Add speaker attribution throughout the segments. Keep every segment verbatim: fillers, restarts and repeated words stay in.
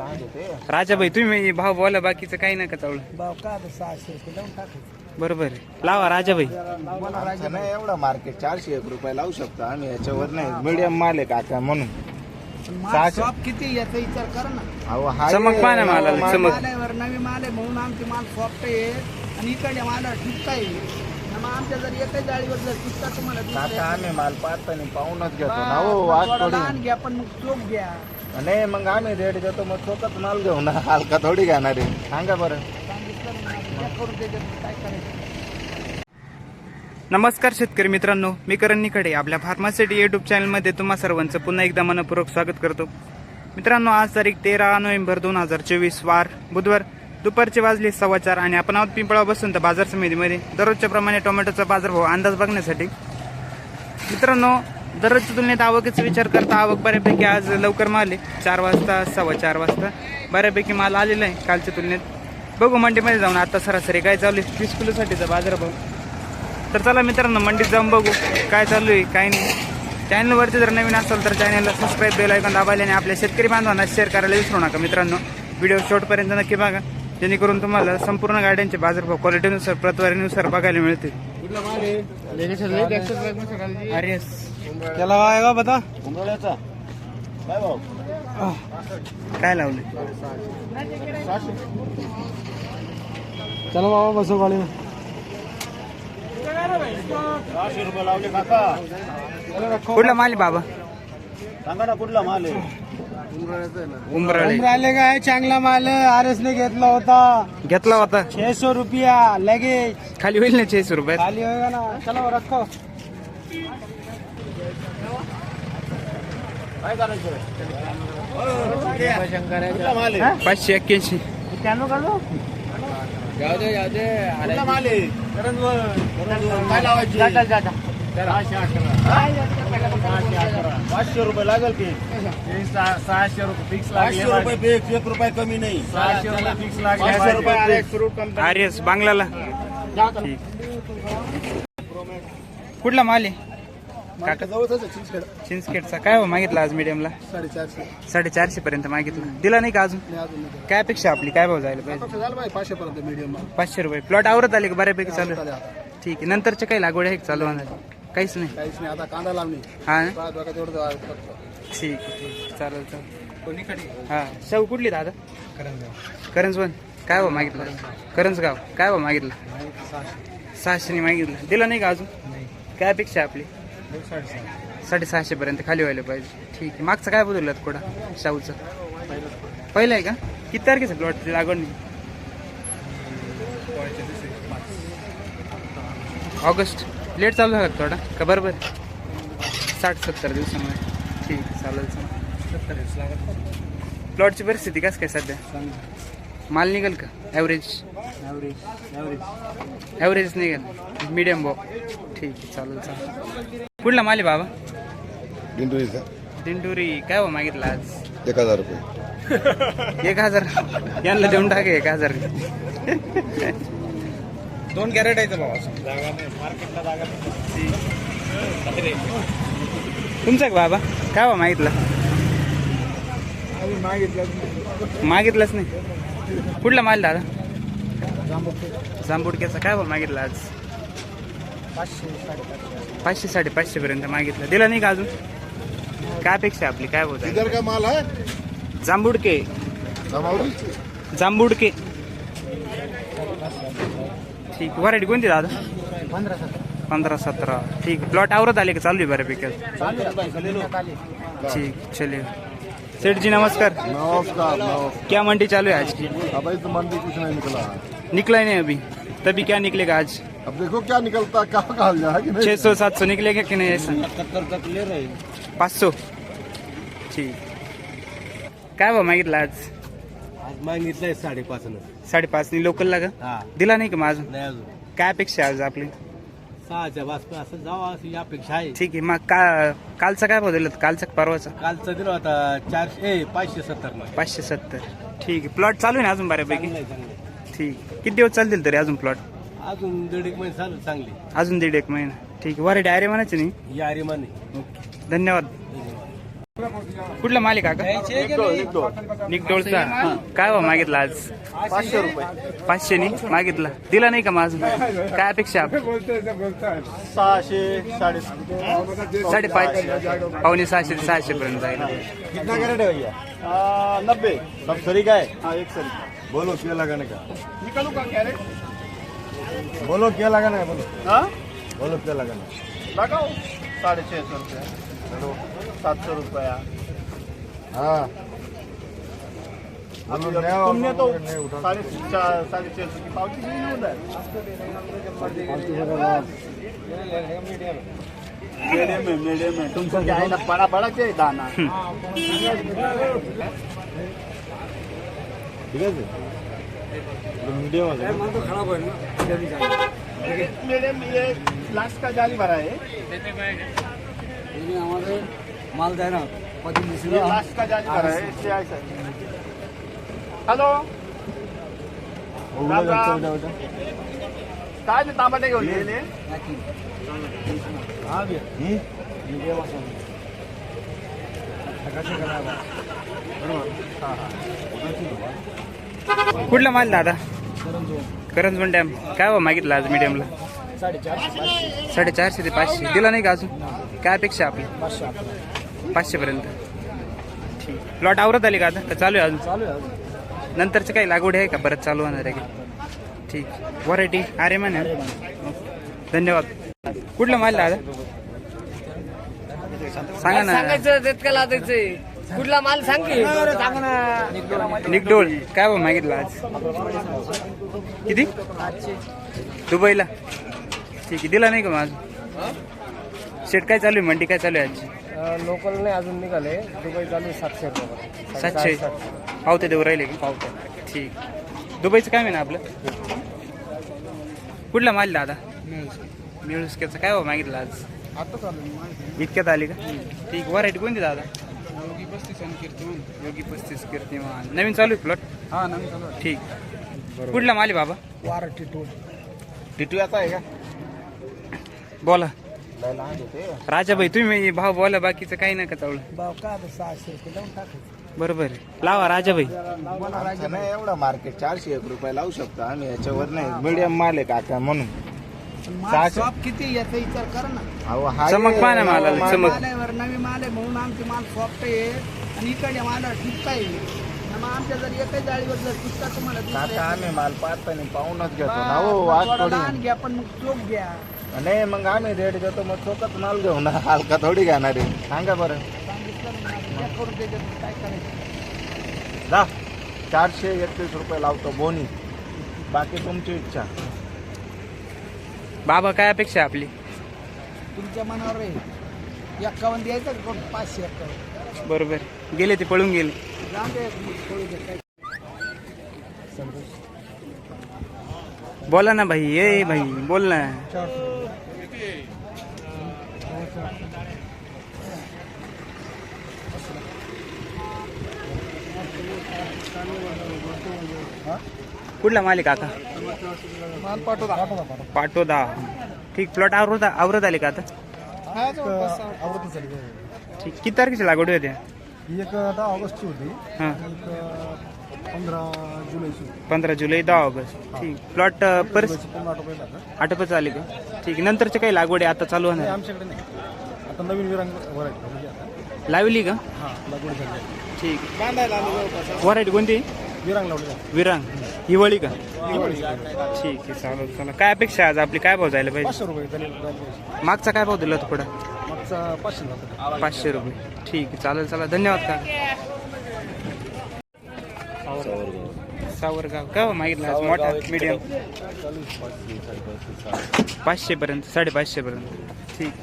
Speaker 1: राजाभाई तुम्ही भाव बोला, बाकीचं काही नका चावलं.
Speaker 2: भाव का सहाशे रुपये लावून टाकायचं.
Speaker 1: बरोबर आहे, लावा राजाभाई.
Speaker 3: नाही एवढा मार्केट चारशे एक रुपये लावू शकतो आम्ही, याच्यावर नाही. मीडियम माल आहे काका म्हणून.
Speaker 2: शॉप किती याचा विचार करा ना.
Speaker 3: अहो हा
Speaker 1: चमक पाहा ना मालाला, चमक.
Speaker 2: मालावर नवी माल आहे म्हणून आमचे माल सॉफ्ट आहे आणि इकडे मालावर टिकता येईल. मग आमच्या जर एकच जाळीवर जर टिकता तुम्हाला
Speaker 3: काका आम्ही माल पाहताना पाहूनच घेतो ना. हो आज
Speaker 2: थोडा
Speaker 3: थोडी
Speaker 2: लहान घ्या पण मग चोख घ्या.
Speaker 3: नाही मग आम्ही रेट देतो, मग चोकच माल घेऊ ना, हलका थोडी घेणार आहे. सांगा बरं.
Speaker 2: करून त्याच्यात काय करायचं.
Speaker 1: नमस्कार शेतकरी मित्रांनो, मी करण निकडे आपल्या फार्मासिटी युट्यूब चॅनलमध्ये तुम्हा सर्वांचं पुन्हा एकदा मनपूर्वक स्वागत करतो. मित्रांनो, आज तारीख तेरा नोव्हेंबर दोन हजार चोवीस वार बुधवार, दुपारचे वाजले सव्वा चार आणि आपण आहोत पिंपळा बसून तर बाजार समितीमध्ये दररोजच्या प्रमाणे टोमॅटोचा बाजारभाव अंदाज बघण्यासाठी. मित्रांनो, दररोजच्या तुलनेत आवकीचा विचार करता आवक बऱ्यापैकी आज लवकर माल आहे. चार वाजता सव्वा चार वाजता बऱ्यापैकी माल आलेला आहे कालच्या तुलनेत. बघू मंडीमध्ये जाऊन आता सरासरी काय चालू आहे वीस किलोसाठीचा बाजारभाव. तर चला मित्रांनो, मंडीत जाऊन बघू काय चालू आहे काय नाही. चॅनलवरती जर नवीन असाल तर चॅनलला सबस्क्राईब बेल आयकॉन दाबायला आणि आपल्या शेतकरी बांधवांना शेअर करायला विसरू नका. मित्रांनो, व्हिडिओ शेवटपर्यंत नक्की बघा, जेणेकरून तुम्हाला संपूर्ण गाड्यांचे बाजारभाव क्वालिटीनुसार प्रतवारीनुसार बघायला मिळतील. अरे
Speaker 2: त्याला आहे का बता
Speaker 1: काय लावले?
Speaker 2: चला बाबा बसो गाडी.
Speaker 3: सहाशे रुपये लावले काका.
Speaker 1: कुठला माल आहे बाबा?
Speaker 3: सांगा ना कुठला माल आहे.
Speaker 1: उमराळे
Speaker 2: राहिले काय चांगला माल आर एस ने घेतला होता.
Speaker 1: घेतला होता
Speaker 2: छह सौ रुपया लगेच
Speaker 1: खाली होईल ना छेस रुपयात.
Speaker 2: खाली होगा ना. चलो रखो.
Speaker 3: काय करायचं कुठला माल आहे.
Speaker 1: पाचशे एक्क्याऐंशी
Speaker 2: कॅनो काढू.
Speaker 3: जाऊ दे जाऊ दे. कुठला माल आहे. काय लावायची. पाचशे रुपये लागेल की.
Speaker 2: सहाशे रुपये फिक्स
Speaker 3: पाचशे रुपये फिक्स, एक रुपये कमी नाही.
Speaker 2: सहाशे रुपये फिक्स
Speaker 3: पाचशे रुपये सुरू.
Speaker 1: आर्यस बांगलाला. ठीक. कुठला माल आहे काका? चिंचखेडचा. काय हो मागितला आज मीडियमला?
Speaker 2: साडेचारशे
Speaker 1: साडेचारशे पर्यंत मागितला. दिला नाही का अजून? काय अपेक्षा आपली? काय भाव जायला पाहिजे?
Speaker 2: पाचशे पर्यंत मीडियम
Speaker 1: पाचशे रुपये. प्लॉट आवरत आले का बऱ्यापैकी चालू? ठीक आहे. नंतरचे काही लागवड आहे का चालू होणार? काहीच नाही.
Speaker 2: काहीच नाही. आता कांदा लावणी.
Speaker 1: हा ना?
Speaker 2: तेवढं
Speaker 1: ठीक आहे ठीक चालेल चालेल. हा शाहू कुठली दादा? करंजवन. काय भाव मागितला? करंजगाव. काय भाव मागितला? सहाशेने मागितला. दिला नाही का अजून? काय अपेक्षा आपली? साडेसहाशे पर्यंत खाली व्हायला पाहिजे. ठीक आहे. मागचं काय बदललं थोडा शाहूचं? पहिलं आहे का? किती तारखेचं प्लॉट लागवड नाही? ऑगस्ट. लेट चालू झाला थोडा का बरोबर? साठ सत्तर दिवसामध्ये. ठीक चालेल चालेल. प्लॉटची परिस्थिती कसं काय सध्या? माल निघेल का? ॲव्हरेज ॲव्हरेज निघेल. मीडियम भाव. ठीक आहे चालेल चालेल. कुठला माल आहे बाबा?
Speaker 4: दिंडोरीचा
Speaker 1: दिंडोरी. काय भाव मागितला आज?
Speaker 4: एक हजार रुपये.
Speaker 1: एक हजार. यांना देऊन टाके एक हजार.
Speaker 3: दोन कॅरेट आहे भाऊ.
Speaker 1: तुमचा का बाबा? काय भाव मागितला? मागितलंच नाही. कुठला माल दादा? जांबुडक्याचा. काय भाव मागितला आज? पाचशे साडेपाचशे पर्यंत मागितला. दिला नाही का अजून? काय अपेक्षा आपली? काय बोलत?
Speaker 4: इधर का माल है
Speaker 1: जांबुडके.
Speaker 4: दमावडी.
Speaker 1: जांबुडके. ठीक. व्हरायटी कोणती दादा?
Speaker 2: पंधरा सतरा
Speaker 1: पंधरा सतरा. ठीक. प्लॉट आवरत आले का चालू आहे बऱ्यापैकी? ठीक चलिए. सेठ जी नमस्कार.
Speaker 4: नमस्कार नमस्कार.
Speaker 1: क्या मंडी चालू है आज की?
Speaker 4: अभी तो मंडी कुछ नहीं निकला है.
Speaker 1: निकला ही नहीं अभी. तभी क्या निकलेगा आज?
Speaker 4: अब देखो क्या निकलता है, क्या कहा जाए कि नहीं.
Speaker 1: छह सौ सात सौ निकलेगा कि नहीं ऐसा?
Speaker 3: तक ले रहे.
Speaker 1: पाच सौ. ठीक. काय भाव मागितला आज?
Speaker 3: आज मागितलंय साडेपाच न.
Speaker 1: साडेपाच नि लोकलला का?
Speaker 3: हा.
Speaker 1: दिला नाही का मग अजून?
Speaker 3: नाही अजून.
Speaker 1: काय अपेक्षा आहे आज आपली?
Speaker 3: सहाच्या वाजता असं जावं अशी अपेक्षा आहे.
Speaker 1: ठीक आहे. मग का कालचा काय भाव दिला? कालचा का परवाचा?
Speaker 3: कालचं दिलं होता चारशे ए पाचशे सत्तर ला.
Speaker 1: पाचशे सत्तर. ठीक आहे. प्लॉट चालू आहे ना अजून बऱ्यापैकी?
Speaker 3: चांगलं आहे, चांगलं आहे.
Speaker 1: ठीक. किती दिवस चालतील तरी अजून प्लॉट?
Speaker 3: अजून दीड एक महिने चालू चांगली.
Speaker 1: अजून दीड एक महिना. ठीक आहे. व्हरायटी अरे म्हणायची नाही.
Speaker 3: या रिमाने.
Speaker 1: ओके धन्यवाद. कुठला मालिक काका निकडोळचा काय भाव मागितला आज
Speaker 3: पाचशे रुपये
Speaker 1: पाचशे नी मागितला दिला नाही का माझं काय अपेक्षा आप?
Speaker 3: सहाशे साडे
Speaker 1: साडेपाचशे पावणे सहाशे ते सहाशे पर्यंत जाईल
Speaker 3: कितना कैरेट है भैया नब्बे सब सरी का है हाँ एक सरी
Speaker 4: बोलो क्या लगाने का
Speaker 3: निकालू का कैरेट
Speaker 4: बोलो क्या लगाना है बोलो
Speaker 3: हाँ
Speaker 4: बोलो क्या लगाना है
Speaker 3: लगाओ साढ़े छः सौ रुपये चलो सात सौ रुपया
Speaker 4: हाँ
Speaker 3: अभी
Speaker 4: बोलो, नया
Speaker 3: तुमने तो
Speaker 4: नहीं उठा
Speaker 3: साढ़े चार साढ़े छः सौ की पावती नहीं होता मीडियम है मीडियम है तुमको क्या है ना बड़ा बड़ा चाहिए दाना
Speaker 4: ठीक है मीडियम
Speaker 3: मीडियम ये लास्ट का जाली भरा है
Speaker 2: माल द्या ना
Speaker 3: ये लास्ट का जाली भरा है इससे ऐसा हॅलो राम राम काय ते तांबाटे घेऊन गेले
Speaker 1: कुठला माल दादा करंजवन डॅम काय भाव मागितला आज मीडियमला साडेचारशे ते पाचशे दिला नाही का अजून काय अपेक्षा आपली पाचशे पर्यंत ठीक प्लॉट आवरत आली का आता का चालू आहे अजून
Speaker 2: चालू आहे
Speaker 1: नंतरचं काही लागवड आहे का परत चालू होणार आहे का ठीक व्हरायटी अरे म्हणे धन्यवाद कुठला माल दादा सांगा ना
Speaker 2: सांगायचं तितकं लादायचंय कुठला माल सांग की सांग ना
Speaker 1: निकडोळ काय भाव मागितला आज किती दुबईला ठीक आहे दिला नाही का माझ शेट काय चालू आहे मंडी काय चालू आहे आजची
Speaker 2: लोकल नाही अजून निघाले दुबई चालू आहे सातशे रुपये
Speaker 1: सातशे पावते देऊ राहिले की पावते ठीक दुबईचं काय म्हणा आपलं कुठला माल दादा मिळुसक्याचं काय भाव मागितलं आज
Speaker 2: आता चालू
Speaker 1: इतक्यात आली का ठीक व्हरायटी कोणती दादा योगी पस्तीस आणि कीर्तिमान योगी पस्तीस कीर्तिमान नवीन चालू आहे प्लॉट
Speaker 2: हा नवीन चालू आहे
Speaker 1: ठीक कुठला माल आहे बाबा
Speaker 2: वार टिटू
Speaker 3: टिटू आता आहे का
Speaker 1: बोला
Speaker 3: लय लहान होते
Speaker 1: राजाभाई तुम्ही भाव बोला बाकीचं काही नका चावलं
Speaker 2: भाव का आता सहाशे रुपये लावून टाकायचं
Speaker 1: बरोबर आहे लावा राजाभाई
Speaker 3: असं नाही एवढा मार्केट चारशे एक रुपये लावू शकतो आम्ही याच्यावर नाही मीडियम माल आहे काका म्हणून
Speaker 2: माल
Speaker 3: सहाशे.
Speaker 2: शॉप किती याचा विचार कर ना
Speaker 3: अहो, हा
Speaker 1: चमक
Speaker 3: ये-
Speaker 1: पहा ना मालाला,
Speaker 3: माल-
Speaker 1: चमक.
Speaker 2: माल आहे वर नवी माल आहे म्हणून आमचे माल सॉफ्ट आहे आणि इकडे माल ठीक आहे मग आमच्या जर एकच जाळीवर जर टिकता तुम्हाला
Speaker 3: काका
Speaker 2: दिसले,
Speaker 3: आम्ही माल पाहताना पाहूनच घेतो
Speaker 2: बा,
Speaker 3: ना हो
Speaker 2: मग
Speaker 3: आज
Speaker 2: थोडा
Speaker 3: थोडी
Speaker 2: लहान घ्या पण मग चोख घ्या
Speaker 3: नाही मग आम्ही रेट घेतो मग चोकत माल घेऊ ना हलका थोडी घेणार आहे सांगा बरं
Speaker 2: सांगितलं ना, घ्या करून त्याच्यात काय करायचं
Speaker 3: जा चारशे एकतीस रुपये लावतो बोनी बाकी तुमची इच्छा
Speaker 1: बाबा काय अपेक्षा आहे आपली
Speaker 2: तुमच्या मनावर आहे एक्कावन्न द्यायचं का कोण पाचशे एक्कावन्न
Speaker 1: बरोबर गेले ते पळून गेले
Speaker 2: जाऊन दे थोडी दे काय
Speaker 1: बोला ना भाई ये भाई बोल ना कुठला माल आहे काका
Speaker 2: माल पाठवता
Speaker 1: पाटोदा ठीक प्लॉट आवरत आवरत आले का आता
Speaker 4: आवृत्ती झाली
Speaker 1: ठीक किती तारखेची लागवड होते
Speaker 4: ही एक दहा ऑगस्टची होती
Speaker 1: हां
Speaker 4: एक पंधरा जुलैची
Speaker 1: पंधरा जुलै दहा ऑगस्ट ठीक प्लॉट परत
Speaker 4: जुलैची पंधरा रुपये लागतात
Speaker 1: आटोपच आले का ठीक नंतरचे काही लागवड आहे आता चालू
Speaker 4: नाही
Speaker 1: होणार
Speaker 4: आमच्याकडे नाही आता नवीन विरांग व्हरायटी म्हणजे आता
Speaker 1: लावली का
Speaker 4: हां लागवड झाली
Speaker 1: ठीक
Speaker 2: बांधायला आलो जवळपास
Speaker 1: व्हरायटी कोणती
Speaker 4: विरांग लावली
Speaker 1: विरांग हिवाळी का
Speaker 4: दिवाळी
Speaker 1: ठीक आहे चालेल चला काय अपेक्षा आहे आज आपली काय भाव जायला पाहिजे
Speaker 4: पाचशे रुपये झाले झाले पाहिजे.
Speaker 1: मागचा काय भाव दिला होता पुढं
Speaker 4: मागचा पाचशे जातो
Speaker 1: पाचशे रुपये ठीक आहे चालेल चला धन्यवाद का सावरगाव काय भाव मागितला आज मोठा मीडियम पाचशे पर्यंत साडेपाचशे पर्यंत ठीक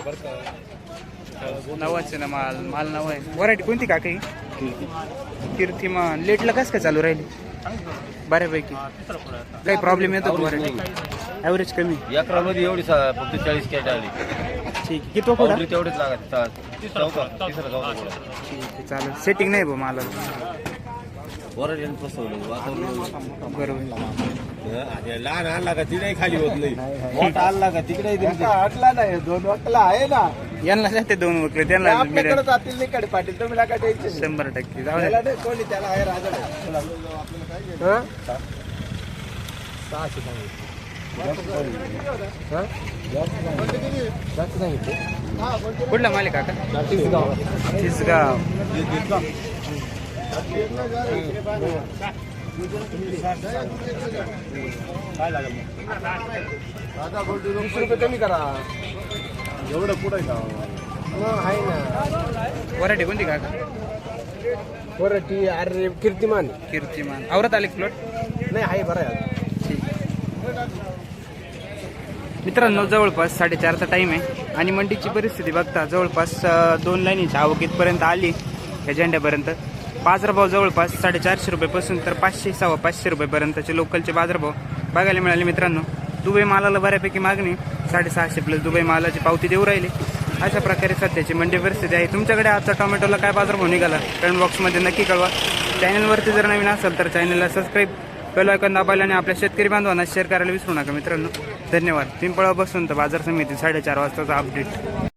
Speaker 1: नवाचे ना माल माल नवा आहे व्हरायटी कोणती का काही कीर्तिमान लेटला कसं काय चालू राहिली बऱ्यापैकी काही प्रॉब्लेम येतो का व्हरायटी ॲव्हरेज कमी
Speaker 5: अकरा मध्ये एवढी सा- फक्त चाळीस कॅट आली
Speaker 1: ठीक आहे किती पुढं
Speaker 5: पावडरी तेवढीच लागत चा- चौथा तिसरा चौथा पुढं.
Speaker 1: ठीक आहे चालेल सेटिंग नाही भाऊ मला
Speaker 5: वरच यांनी फसवलं वातावरण
Speaker 1: बरोबर
Speaker 4: लहान आणला का तिने खाली होत नाही
Speaker 3: मोठा आणला का तिकडे अटला नाही दोन वाटला आहे ना
Speaker 1: यांना जाते दोन वगैरे त्यांना
Speaker 3: आपल्याकडे
Speaker 1: मिळेल
Speaker 3: जातील नाही कडे पाटील तुम्ही नका टेन्शन
Speaker 1: शंभर टक्के जाऊ
Speaker 3: त्याला
Speaker 1: द्या.
Speaker 3: नाही कोणी त्याला आहे राजा
Speaker 1: कुठला मालिक काका तिसगाव
Speaker 3: वीस रुपये कमी करा
Speaker 4: एवढं पुढे का
Speaker 3: आहे ना
Speaker 1: वराठी कोणती काका
Speaker 3: वरटी अरे कीर्तिमान
Speaker 1: कीर्तिमान आवरत आले प्लॉट
Speaker 3: नाही आहे बरं आहे
Speaker 1: मित्रांनो जवळपास साडेचारचा टाइम आहे आणि मंडीची परिस्थिती बघता जवळपास अं, दोन लाईनीची आवक इथपर्यंत आली या झेंड्यापर्यंत बाजारभाव जवळपास साडेचारशे रुपयेपासून तर पाचशे सव्वा पाचशे रुपयेपर्यंतचे लोकलचे बाजारभाव बघायला मिळाले मित्रांनो. दुबई मालाला बऱ्यापैकी मागणी साडेसहाशे प्लस दुबई मालाची पावती देऊ राहिली. अशा प्रकारे सध्याची मंडी परिस्थिती आहे. तुमच्याकडे आजचा टोमॅटोला काय बाजारभाव निघाला कमेंट बॉक्समध्ये नक्की कळवा. चॅनलवरती जर नवीन असेल तर चॅनलला सबस्क्राईब बेल आयकॉन दाबायला आणि आपल्या शेतकरी बांधवांना शेअर करायला विसरू नका मित्रांनो. धन्यवाद. पिंपळा बसून तर बाजार समिती साडेचार वाजताचा अपडेट.